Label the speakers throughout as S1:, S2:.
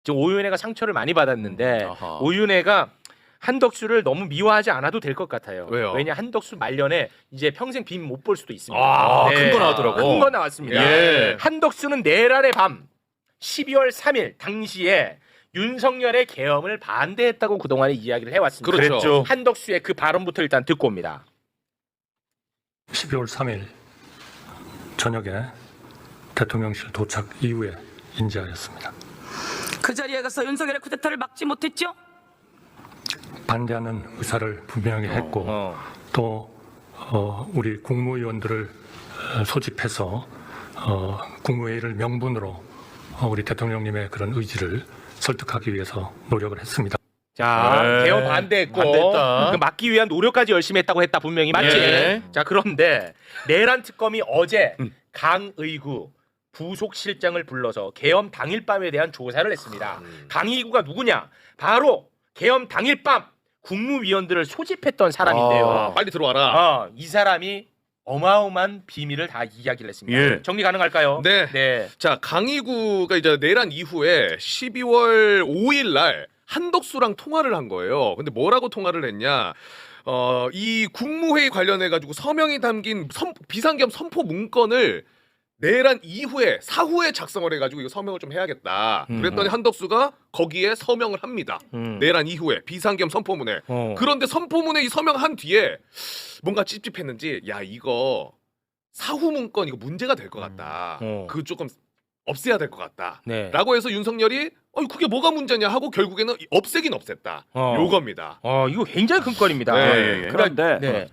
S1: 지금 오윤회가 상처를 많이 받았는데
S2: 아하.
S1: 오윤회가 한덕수를 너무 미워하지 않아도 될 것 같아요.
S2: 왜요?
S1: 왜냐 한덕수 말년에 이제 평생 빔 못 볼 수도 있습니다.
S2: 큰 거 나왔더라고.
S1: 큰 거 나왔습니다.
S2: 예.
S1: 한덕수는 내란의 밤 12월 3일 당시에 윤석열의 계엄을 반대했다고 그동안에 이야기를 해왔습니다.
S2: 그렇죠.
S1: 한덕수의 그 발언부터 일단 듣고 옵니다.
S3: 12월 3일 저녁에 대통령실 도착 이후에 인지하였습니다.
S4: 그 자리에 가서 윤석열의 쿠데타를 막지 못했죠?
S3: 반대하는 의사를 분명히 했고 또 우리 국무위원들을 소집해서 국무회의를 명분으로 우리 대통령님의 그런 의지를 설득하기 위해서 노력을 했습니다.
S1: 자,
S2: 네.
S1: 계엄 반대했고
S2: 반대했다.
S1: 그 막기 위한 노력까지 열심히 했다고 했다 분명히 맞지?
S2: 예.
S1: 자, 그런데 내란 특검이 어제 강의구 부속실장을 불러서 계엄 당일 밤에 대한 조사를 했습니다. 강의구가 누구냐? 바로 계엄 당일 밤 국무위원들을 소집했던 사람인데요.
S2: 빨리 들어와라.
S1: 이 사람이 어마어마한 비밀을 다 이야기를 했습니다.
S2: 예.
S1: 정리 가능할까요?
S2: 네. 자, 강희구가 이제 내란 이후에 12월 5일 날 한덕수랑 통화를 한 거예요. 근데 뭐라고 통화를 했냐? 이 국무회의 관련해 가지고 서명이 담긴 비상계엄 선포 문건을 내란 이후에 사후에 작성을 해가지고 이거 서명을 좀 해야겠다. 그랬더니 한덕수가 거기에 서명을 합니다. 내란 이후에 비상계엄 선포문에. 그런데 선포문에 이 서명한 뒤에 뭔가 찝찝했는지 야 이거 사후 문건 이거 문제가 될 것 같다. 그거 조금 없애야 될 것 같다.
S1: 네.
S2: 라고 해서 윤석열이 그게 뭐가 문제냐 하고 결국에는 없애긴 없앴다. 요겁니다.
S1: 이거 굉장히 큰 건입니다.
S2: 네.
S5: 그런데
S1: 네.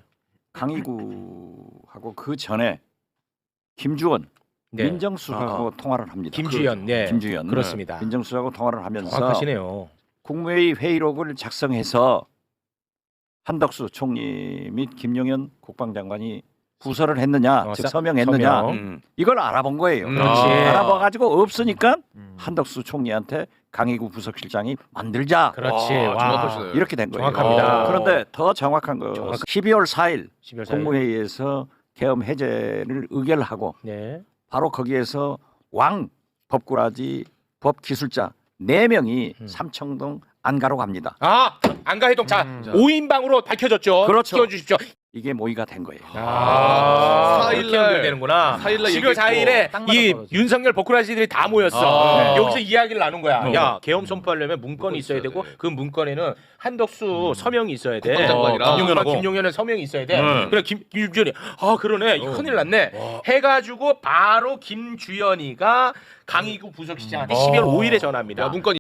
S5: 강희구하고 그 전에 김주원
S1: 네.
S5: 민정수석하고 통화를 합니다.
S1: 김주연, 네.
S5: 김주연
S1: 그렇습니다.
S5: 민정수석하고 통화를 하면서
S1: 정확하시네요.
S5: 국무회의 회의록을 작성해서 한덕수 총리 및 김용현 국방장관이 부서를 했느냐, 즉 서명했느냐
S1: 서명.
S5: 이걸 알아본 거예요.
S1: 그렇지.
S5: 알아봐가지고 없으니까 한덕수 총리한테 강희구 부속실장이 만들자.
S1: 그렇지.
S2: 와,
S1: 와.
S2: 정확하시네.
S5: 이렇게 된 거예요.
S1: 정확합니다.
S5: 그런데 더 정확한 거 12월 4일
S1: 12월 4일.
S5: 국무회의에서 계엄 해제를 의결하고
S1: 네.
S5: 바로 거기에서 왕 법꾸라지 법기술자 4명이 삼청동 안가로 갑니다.
S1: 안가해동 자 5인방으로 밝혀졌죠.
S5: 그렇죠.
S1: 띄워주십시오.
S5: 이게 모의가 된 거예요.
S2: 4일
S1: 이렇게
S2: 날
S1: 연결되는구나.
S2: 4일 날
S1: 12월 4일에 이 윤석열 버쿠라지들이 다 모였어. 여기서 이야기를 나눈 거야. 야 계엄 선포하려면 문건이 있어야 되고 그 문건에는 한덕수 서명이 있어야 돼.
S2: 국방장관이랑
S1: 김용현은 서명이 있어야 돼. 그래 김주연이 그러네. 이거 큰일 났네. 해가지고 바로 김주연이가 강희구 부속실장한테 12월 5일에 전화합니다.
S2: 문건이